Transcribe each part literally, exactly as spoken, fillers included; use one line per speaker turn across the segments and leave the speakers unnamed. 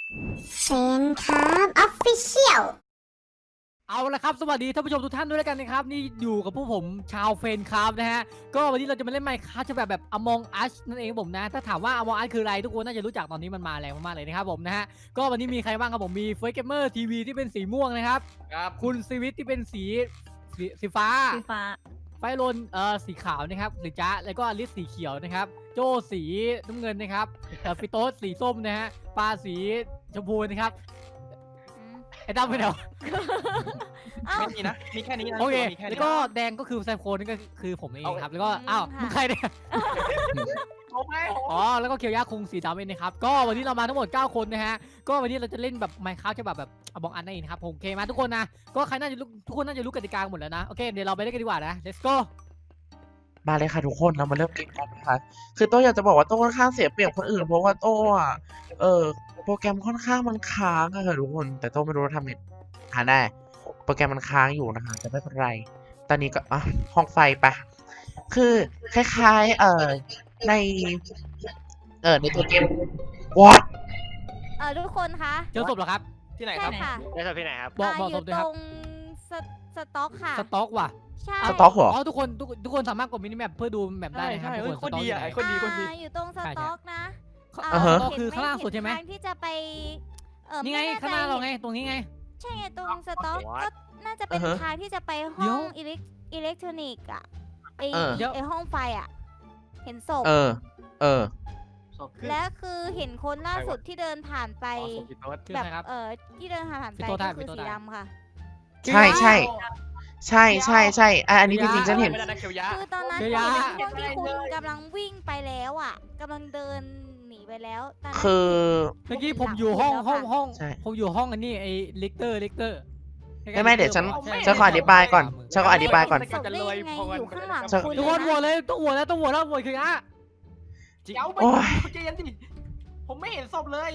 เฟนครับออฟฟิเชียล
เอาละครับสวัสดีท่านผู้ชมทุกท่านด้วยแล้วกันนะครับนี่อยู่กับพวกผมชาวเฟนครับนะฮะก็วันนี้เราจะมาเล่นไมค์ครับจะแบบแบบ Among Us นั่นเองผมนะถ้าถามว่า Among Us คืออะไรทุกคนน่าจะรู้จักตอนนี้มันมาแรงมากๆเลยนะครับผมนะฮะก็วันนี้มีใครบ้างครับผมมีเฟย์เกมเมอร์ทีวีที่เป็นสีม่วงนะครับ
ครับ
คุณซีวิตที่เป็นสีสีสีฟ้า
สีฟ้า
ไฟลนเอ่อสีขาวนะครับสีจ้าแล้วก็อลิสสีเขียวนะครับโจสีน้ำเงินนะครับเอ่อฟิโต้สีส้มนะฮะปลาสีชมพูนะครับไอ้ดำไปไหนวะ
เอ้า
ไม่มีนะ มีแค่นี้นะ
โอเค
มีแค่
แล้
นี้
วก็แดงก็คือแซมโคนนี่ก็คือผมเองครับ แล้วก็ อ้าว
ค่ะ
มึงใครเนี่ย
โอ้ย
อ๋อ แล้วก็เคียวยาคุงสีดำเองนะครับ ก็วันนี้เรามาทั้งหมดเก้าคนนะฮะ ก็วันนี้เราจะเล่นแบบไมค์คราฟจะแบบแบบอบองอันนั่นเองนะครับผมโอเคมาทุกคนนะ ก็ใครน่าจะรู้ทุกคนน่าจะรู้กติกาหมดแล้วนะ โอเค เดี๋ยวเราไปเล่นกันดีกว่านะ let's go
มาเลยค่ะทุกคนเรามาเริ่มเกมกันนะคะคือโต้อยากจะบอกว่าโต้ค่อนข้างเสียเปรียบคนอื่นเพราะว่าโต้อะเออโปรแกรมค่อนข้างมันค้างอะค่ะทุกคนแต่โต้ไม่รู้ว่าทำไงหาได้โปรแกรมมันค้างอยู่นะคะแต่ไม่เป็นไร ตอนนี้ก็อ่ะห้องไฟไปะคือคล้ายๆเอ่อในเออในตัวเกม what
เออทุกคนคะ
เจอศพเหรอครับ
ที่ไหนค
ใช่
รับ
ค่ะ
ได้ครับที่ไหนครับ
บอก
า
บอก
อ
ศ
ยู่
พด้วย
ต
ครั
ร
บ
งสสต็อกค่ะ
สต็อกว่ะ
ใช่
สต็อกเหรอ
อ๋อ ทุกคนทุกทุกคนสามารถกดมินิแมปเพื่อดูแมปได้นะครับ
ใช่
ทุก
ใช่
คน
เฮ้ยโคตรดีอะ
สต็อก
คนดีคนดี
อ่าอยู่ตรงสต็อกนะ
อ่า
เ
สต็อกคือ
เห็น
ข้างล่างสุดใช่ไหม
ทางที่จะไปเออ
นี่ไง
ม่แใจ
ข้างหน้าเราไง ตรงนี้ไง
ใช่ไงตรงสต็อกก็น่าจะเป็น
อือฮะ
ทางที่จะไป
เดี๋
ห้
ย
อ
ว
งอิเล็กอิเล็กทรอนิกส์อะไอ
เออ
เดี๋ยว
ไอห้องไฟอะเห็นศพ
เออ เออ
และคือเห็นคนล่าสุดที่เดินผ่านไป
อ๋อสุดที่โต๊ด
คือ
แบ
ใค
บ
รครับ
เออที่เดินผ่านไป
พี่โต้ได้
ก็คือ
พี่โต้
สี
ได้
ดำค่ะ
ใช่ใช่ใช่ใช่ใช่อ่ะอันนี้จริงๆฉันเห็น
ไม่ได้นะเคียวยะ
คือตอนนั้น
เดี๋
เป็
ย
น
ว
ช่วงที่คุณกำลังวิ่งไปแล้วอ่ะกำลังเดินหนีไปแล้วตอนนั้น
คือ
เมื่อกี้ผมอยู่ห้องห้องห้อง
ใช่
ผมอยู่ห้องอันนี้ไอ้ลิกเตอร์ลิกเตอร์
ไม่ไม่เดี๋ยวฉัน ฉันขออธิบายก่อนฉันขออธิบายก่อน
ศพได้ยังไงอยู่ข้างหลัง
จะ
คุณ
ทุกคนโหวต
เลย
เลยต้องโหวตแล้วต้องโหวตแล้วโหวตคืออ่ะ
เดี๋ยวไป
โอ้ย
ใจเย็นดิผมไม่เห็นศพเลย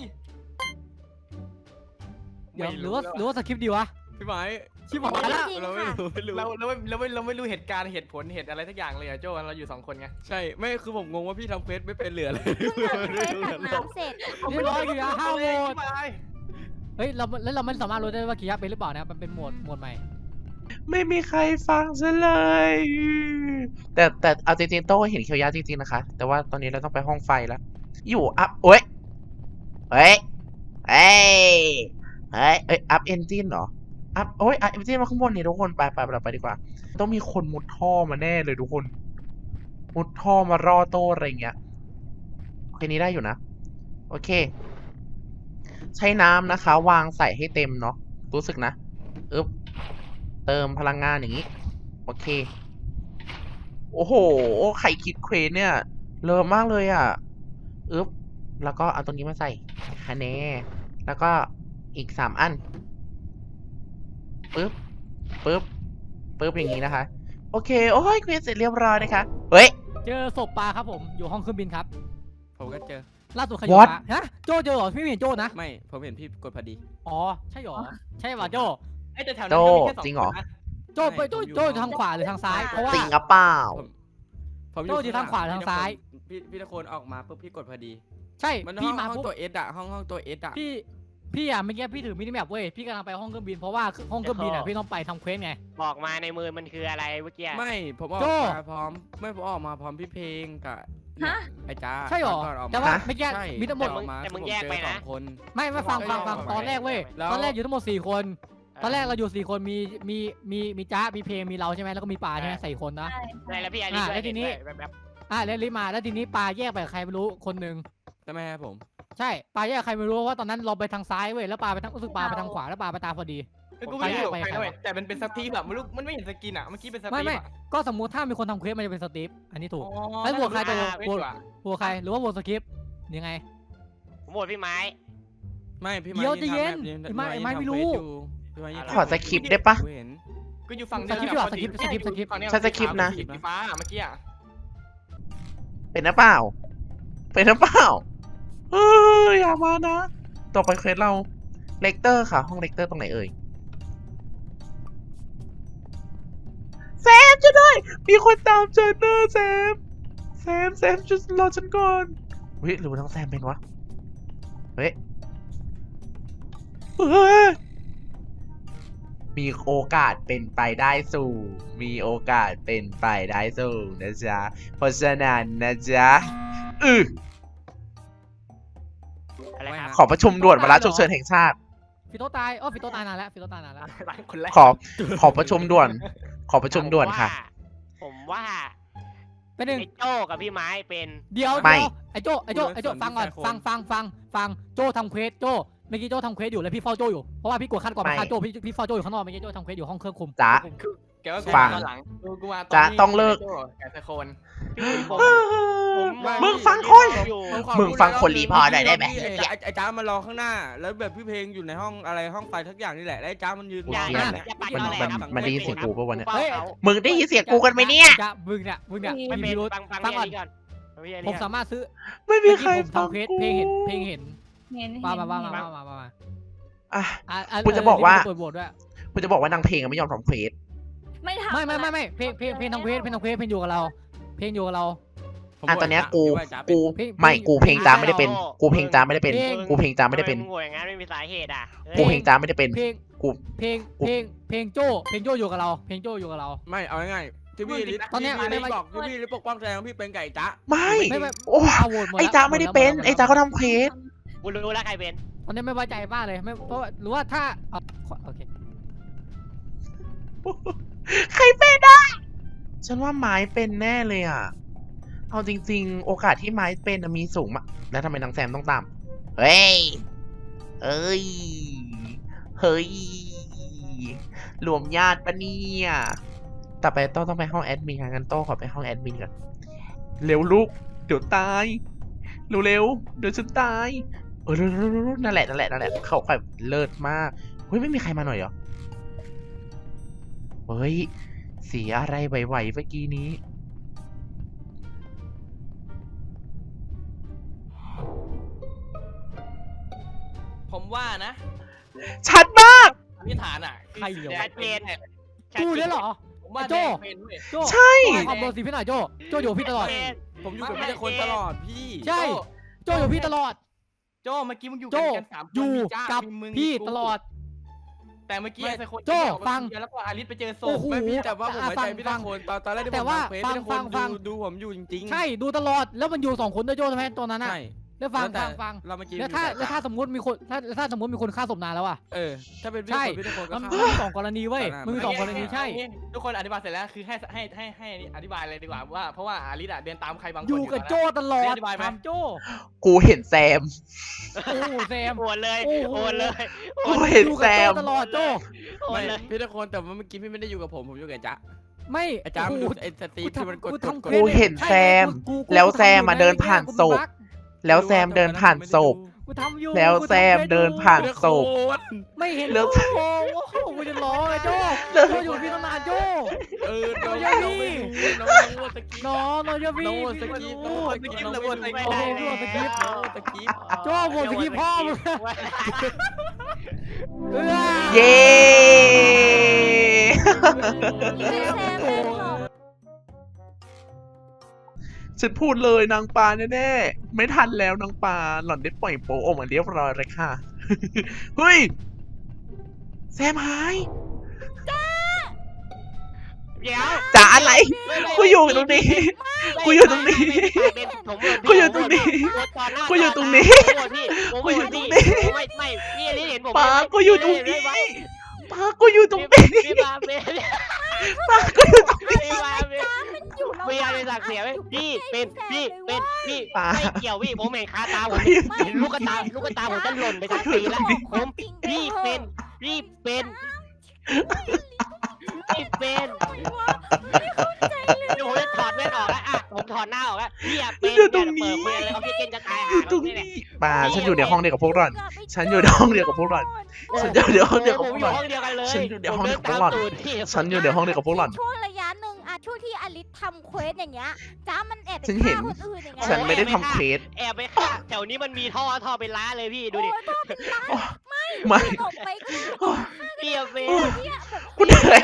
เดี๋ยวหรือว่าหรือว่าสคริปต์ดีวะ
พี่หมาย
ชิบหายละ
จริง
เราไม่
ค่ะ
รู้เราเราไม่เราไม่เราไม่รู้เหตุการณ์เหตุผลเหตุอะไรทักอย่างเลยอะโจ้เราอยู่สองคนไง
ใช่ไม่คือผมงงว่าพี่ทำเควสไม่เป็นเหลือเลย
เพิ่งทำเควสตักน้ำเสร็จ
เรียบร้อยคืออ่ะห้าโหวต
พี่หมาย
เฮ้ยเราแล้วเราไม่สามารถรู้ได้ว่ากี่ยักษ์เป็นหรือเปล่านะมันเป็นโหมดโหมดใหม่
ไม่มีใครฟังฉันเลย แต่แต่เอาจริงๆโต้เห็นเคียวยะจริงๆนะคะ แต่ว่าตอนนี้เราต้องไปห้องไฟแล้ว อยู่อัพโอ้ยเฮ้ยเฮ้ยเฮ้ยเอ้ยอัพเอนจินเหรออัพโอ้ยอัพเอนจินมาข้างบนนี่ทุกคนไปไปไปไปดีกว่า ต้องมีคนมุดท่อมาแน่เลยทุกคน มุดท่อมารอโต้อะไรอย่างเงี้ยโอเคนี้ได้อยู่นะ โอเค ใช้น้ำนะคะ วางใส่ให้เต็มเนาะรู้สึกนะอึ๊บเติมพลังงานอย่างนี้ โอเค โอ้โหใครคิดเควสเนี่ยเลิศมากเลยอ่ะอึ๊บแล้วก็เอาตรงนี้มาใส่คะแนนแล้วก็อีกสามอันปึ๊บปึ๊บปึ๊บอย่างนี้นะคะ โอเค โอ้ยเควสเสร็จเรียบร้อยนะคะเฮ้ย
เจอศพปลาครับผมอยู่ห้องเครื่องบินครับ
ผมก็เจอ
ล่าสุดใครอยู่
What?
ปลาฮะโจเจอเหรอพี่ไม่เห็นโจนะ
ไม่ผมเห็นพี่กดพอดี
อ๋อใช่เหรอใช่ป่ะโจ
ไอ้แต่แถวนั้น
โจ้
ก็มีแค่สอง
จริงเหรอ
คนนะ
โจไปโจโจอยู่ทางขวาหรือทางซ้ายเพราะว่า
จริงหรือเปล่า
ผม
โจ้อยู่ทางขวาทางซ้าย
พี่พี่ตะโคนออกมาปุ๊บพี่กดพอดี
ใช่
มัน
พี่
ห้อง
มา
ห้อง
ปุ๊บ
ตัวเอสอะห้องห้องตัวเอสอะ
พี่พี่อ่ะเมื่อกี้พี่ถือมินิแมปเว้ยพี่กำลังไปห้องเครื่องบินเพราะว่าห้องเครื่องบินอ่ะพี่ต้องไปทำเควสไง
บอกมาในมือมันคืออะไรเมื่อกี้
ไม่ผมออก
โจ้
มาพร้อมไม่ผมออกมาพร้อมพี่เพลงกับ
ฮะ
ไอ้จ้า
ใช่เหรอ
ก่นก
แต่ว่า
มา
เมื่อกี้
ใช่
มีทั้งหมด
ออกา
แต่มึง
ผ
แยก
เจอ
ไปนะ
สองคน
ไม่ไม่ฟังฟังฟัง
ไม่
ตอนแรกเว้ย
แล้ว
ตอนแรกอยู่ทั้งหมดสี่คน ตอนแรกเราอยู่สี่คนมีมีมีมีจ้ามีเพลงมีเราใช่ไหมแล้วก็มีปลาใช่ไหมสี่คนนะ
ใช่แล้วพี่อาริ
อ่ะ
ด้วย
แล้วทีนี้
แบบแบบ
อ่ะแล้วลิมาแล้วทีนี้ปลาแยกไปกับใครไม่รู้คนหนึ่ง
ใช่ไหมครับผม
ใช่ปลาแยกกับใครไม่รู้ว่าตอนนั้นเราไปทางซ้ายเว้ยแล้วปลาไปทางรู้สึกปลาไปทางขวาแล้วปลาไปตามพอดี
คือกูไม่ได้อยู่
ไป
ใคร
ไป
ด้วยแต่มันเป็นสตีฟแบบมันรู้มันไม่เห็นสกินอะเมื่อกี้เป็นส
ไม่
ตีฟ
ไม่
อะ
ก็สมมุติถ้ามีคนทำเควสมันจะเป็นสตีฟอันนี้ถูก
อ๋อ
แล้วบวกใครตัว
น่า
บวก
จะ
หัวใครหรือว่าโหวตสคริปต์ยังไง
ผมโหวตพี่ไม้
ไม่พี่
เดี๋ยว
ไม้
ใจเย็น
ทำแบบ
ไอ้ไม้ไอ้ไม้
ทำ
ไม่รู้
เควสอยู่พี่ไม้ยัง
ขอสคริปต์ได้ปะ
กูเห็น
ก็อยู่ฝั่ง
สคริปต์ดีกว่าสคริปต์สคริปต์สคริปต์
ฝั่งเนี้ย
ฉันสคริปต์นะ
สีฟ้าเมื่อกี้อะ
เป็นหรือเปล่า เป็นหรือเปล่าเฮ้ยอย่ามานะ ต่อไปเควสเรา เลกเตอร์ค่ะ ห้องเลกเตอร์ตรงไหนเอ่ย แซมช่วยด้วย มีคนตามฉันนะแซม แซม แซมช่วยรอฉันก่อนเฮ้ยหรือว่าน้องแซมเป็นวะ เฮ้ยเฮ้ยมีโอกาสเป็นไปได้สูงมีโอกาสเป็นไปได้สูงนะจ๊ะเพราะฉะนั้นนะจ๊ะอือ
อะไรครับ
ขอประชุมด่วนวาระฉุกเฉินแห่งชาติ
ฟิโตตายอ๋อฟิโตตายนานแล้วฟิโตตายนานแล้ว
ร้านคนแรก
ขอขอประชุมด่วน ขอประชุมด่วนค่ะ
ผมว่า
เป็นหนึ่ง
ไอ้โจ้กับพี่ไม้เป็น
เดี๋ยว
ไม่
เดี๋ยวไอ้โจไอ้โจไอ้โจฟังก่อนฟังฟังฟังฟังโจทำเควสโจเมื่อกี้โจทำเควสอยู่แล้วพี่เฝ้าโจอยู่เพราะว่าพี่กดขั้นก่อนมาฆ่าโจพี่พี่เฝ้าโจอยู่ข้างนอกเมื่อกี้โจทำเควสอยู่ห้องเครื่องคุม
จ๊ะ
แกว่ากู
ฟั
มาง ตอนหลังกูกูมาตอน
จ๊ะ
ที่
ต้องเลิก
โจ้แกตะโคน
พี่ผมผม
มึงฟังคน
อยู่
ผขอ
มึงฟังคนรีพอร์ตหน่อยได้ไหม
ไอ้จ๊ะไอ้จ้ามารอข้างหน้า แล้วแบบพี่เพลงอยู่ในห้องอะไรห้องไฟทักอย่างนี่แหละแล้วไอ้จ้ามันยืน
อย่า
เหี้
อย ย่า
เนี่ย
อย่าปัด
มัน
ตอแหล
มัน
ครับ
มันได้ยินเสียงกูปะวะเนี่ย
เฮ้ย
มึงได้ยินเสียงกูกันไหมเนี่ย
จะมึงเนี่ยมึงเนี่ย
ไม่
มี
เป็น
พิรุธ
ฟังฟัง
ฟังก่อน
พี่ก่อนพี่อัน
ผ
นี้
ม
ก่อน
สามารถซื้อ
ไม่มี
เมื่อ
ใคร
กี้ผม
ฟัง
ทำเควส
กู
เพลงเห็นเพลงเห็น
เห็น
มา
เห็น
มามามา
เห็น
มามามา
อ่ะ
อ่ะอ่
กูจะบอกว่า
เปิดโหวตด้วย
กูจะบอกว่านางเพลงอะไม่ยอมทำเควส
ไม่ทำ
ไม่ไม่ไม่ไม่เพลงเพลงเพลงทำเควสเพลงทำเควสเพลงอยู่กับเรา เพลงอยู่กับเรา
ผม
อ่ะ
บ
ตอนเนี้ยกู
พี่ว่าจ๊ะเป็น
กู
เพลง
ไม่
เพลง
กูเพลงจามไม่ได้เป็น กูเพลงจามไม่ได้เป็น
เพลง
กูเพลงจามไม่ได้เป็น
ทำมึงโง่อย่างนั้นไม่มีสาเหตุอ่ะเฮ้ย
กูเพลงจามไม่ได้เป็น
เพลง
กู
เพลงเพลงเพลงโจเพลงโจอยู่กับเรา เพลงโจอยู่กับเรา
ไม่เอาง่ายๆที่พี่ลิศ
ตอนเนี้ย
ที่พี่ลิศ
ไม่
บอกที่พี่ลิศปกป้องแสดงว่าพี่เป็นไก่จ๊ะ
ไม่
ไม่ไม่
โอ้
เอาโหวตหมด
ไอ้
แล้ว
จ้าไม่ได้เป็น
หดแล้ว
ไอ้จ้าก็ทำเควส
กูรู้แล้วใครเป็น
ตอนนี้ไม่ไว้ใจมากเลยไม่เพราะว่าหรือว่าถ้าเอาโอเค
ใครเป็นอ่ะฉันว่าไม้เป็นแน่เลยอ่ะ เอาจริง ๆ โอกาสที่ไม้เป็นอะมีสูงมากแล้วทำไมนางแซมต้องตาม เฮ้ย เอ้ย เฮ้ย รวมญาติปะเนี่ยต่อไปโต้ต้องไปห้องแอดมินค่ะงั้นโต้ขอไปห้องแอดมินก่อน เร็วลูก เดี๋ยวตาย เร็วๆ เดี๋ยวฉันตาย เออเร็วๆๆนั่นแหละนั่นแหละนั่นแหละเขาแบบเลิศมาก เฮ้ยไม่มีใครมาหน่อยเหรอ เฮ้ย เสียอะไรไหวๆเมื่อกี้นี้
ผมว่านะ
ชัดมาก
อธิษฐานอ่ะ
ใครเหรอ
ชัดเจน
กูเนี่ยเหรอ
ผมว่า
โจ้
แดงเป็นเว้ย
โจ
ใช่
ขอบโดนสีพี่หน่อยโจโจอยู่กับพี่ตลอด
ผมอยู่กับพี่แต่คนตลอดพี่
ใช่ โจอยู่กับพี่ตลอด
โจ้เมื่อกี้มึงอยู่
โจ้
กันสามคน
อยู่
มีจ้า
กับ
มีมึง
พี่
มีกู
ตลอด
แต่เมื่อกี้
ไม่
ไอ้คน
โจ้
ที่ออกมา
ฟัง
คนเดียวแล้วก็อาริสไปเจอศ
โอ้
พ
โห
ไม่พี่แต่ว่าผม
อ่ะ
ไว้ใจ
ฟัง
พี่
ฟั
แต่
ง
คนตอนตอนแรกที่
แต่
ผม
ว่า
ทำเควส
ฟัง
พี่แต่คน
ฟังฟัง
ดูดูผมอยู่จริงๆ
ใช่ดูตลอดแล้วมันอยู่สองคนด้วยโจทำไมตัวนั้นน่ะ
ใช่
แล้วฟัง
แต่
ฟังฟัง
เราเมื่อกี้
แล้วถ้า
อยู่
แล้วถ้าสมมติมีคนถ้าถ้าสมมติมีคนฆ่าศพนานแล้วอ่ะ
เออถ้าเป็นพี่
ใช่
แต่คนพี่แต่คนก็
มัน
ฆ่า
มีสองกรณีเว้ย
ตอนนั้น
มันมีสองกรณีใช่
เอางี้ทุกคนอธิบายเสร็จแล้วคือให้ให้ให้ให้อธิบายเลยดีกว่าว่าเพราะว่าอาริสอะเดินตามใครบางคน
อยู่กับ
ตนนั้น
โจตลอด
อธิบายไหม
ถามโจ
กูเห็นแซม
โอ้โหแซม
โอนเลย
โอ้โห
โอนเลย
กูเห็น
อยู่
แซ
กับโจ
ม
ตลอดโจ
โอน
ไม่
เลย
พี่แต่คนแต่ว่าเมื่อกี้พี่ไม่ได้อยู่กับผมผมอยู่กับจ๊ะ
ไม่
ไอ้จ๊ะมัน
โอ้
ดู
โห
ไอ้สตรีมที่มันกด
กู
กด
ทำ
กด
ควส
กูเห็น
ใช่
แซม
กูกู
แล้ว
กู
แซมมา
ทำอยู่
เดินผ่าน
กู
ศพ
บั๊ก
แล้วแซมเดินผ่านศพ
กูทำอยู่
แล้ว
กูทำ
แซม
ควส
เดินผ่าน
พี่แต่
ศ
ค
พ
น
ไม่เห็น
แล้ว
โอ้โหกูจะร้องไอ้โจโจอยู่กับพี่ตั้งนานโจ
เออน้อง
อย่า
น้อง
มี
ไม่รู้น้องน้องสกิป
น้องน้องจะพี่
น้อง
พี่
ส
ไม่
กิป
รู้
น้องสกิปน้องไม่
ไม่
รู้
ได้
โอ้โหสกิป
น้องสกิป
โจ้โหวตสกิปพ่อมึง เออ
เย้
แซมเป็นหรอก
ฉันพูดเลยนางปลาแน่ๆ ไม่ทันแล้วนางปลาหล่อนได้ปล่อยโป๊ออกมาเรียบร้อยเลยค่ะ เฮ้ย แซมหาย
เดี๋ยว
จ๋าอะไร กูอยู่ตรงนี้ กูอยู่ตรงนี้ กูอยู่ตรงนี้ กูอยู่ตรงนี้ กูอยู่ตรงนี้
ไม่ไม่พี่ลิเห็นผม
ปลากูอยู่ตรงนี้ปลากูอยู่ตรงนี้
พี่มาเป็น
ปลากูอยู่ตรงนี้
พี่มาเป็น
อยู่ระห
พี่
ว่าง
อะไรสักเสียไหมพี่เป็นพี่เป็นพี่
ปลา
ไม่เกี่ยวพี่ผมเห็นคาตาผม
ไม่
เห็นลูกตาลูกตาผมจะหล่นไปทั้งปีแล้วผมพี่เป็นพี่เป็นพี่เป็นเดี๋ยวผมจะถอดแว่นออกแล้วอ่ะผมถอดหน้าออกแล้วพี่อะเป็น
อยู่ตรงนี้
เปิดเปิดเลยเขาพี่เก่งจะตาย
อยู่ตรงนี้ปลาฉันอยู่ในห้องเดียวกับพวกหล่อน ฉันอยู่ในห้องเดียวกับพวกหล่อน ฉันอยู่ในห้องเดียวกับ
ผ
พ
ม
วก
อ
หล่
ยู่
อน
ห้องเดียวกันเลย
ฉันอยู่ในห้องเดียวกับ
ผม
พวกหล่อน
ตามตูดพี่
ฉันอยู่ในห้องเดียวกับพวกหล่อน
ช่วงระยะหนึ่งอะช่วงที่อลิสทำเควสอย่างเงี้ยจ้ามันแอบไป
ฉันเห็น
ฆ่าคนอื่นอย่างเงี้ย
ฉันไม่ได้ทำเควส
แอบไปฆ่าแถวนี้มันมีท่อท่อเป็นล้านเลยพี่ดูดิ
โอ้ยโทษผิดร้าน
ไม่
ตกไปก็ได้
พี่อะเป็น
เนี่ยแบบ
กูเหนื่อย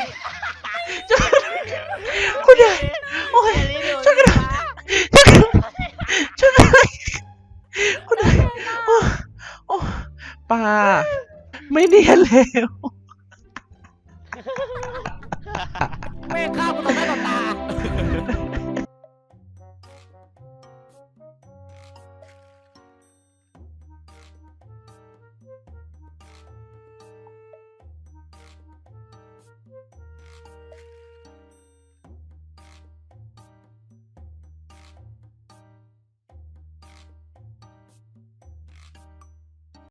กูเหนื่อยโอ้ย ช่วยกัน ช่วยกันช่วยกันกูเหนื่อยโอ้โอ้ปลาไม่เนียนแล้ว
แม่งฆ่ากูต่อหน้าต่อตา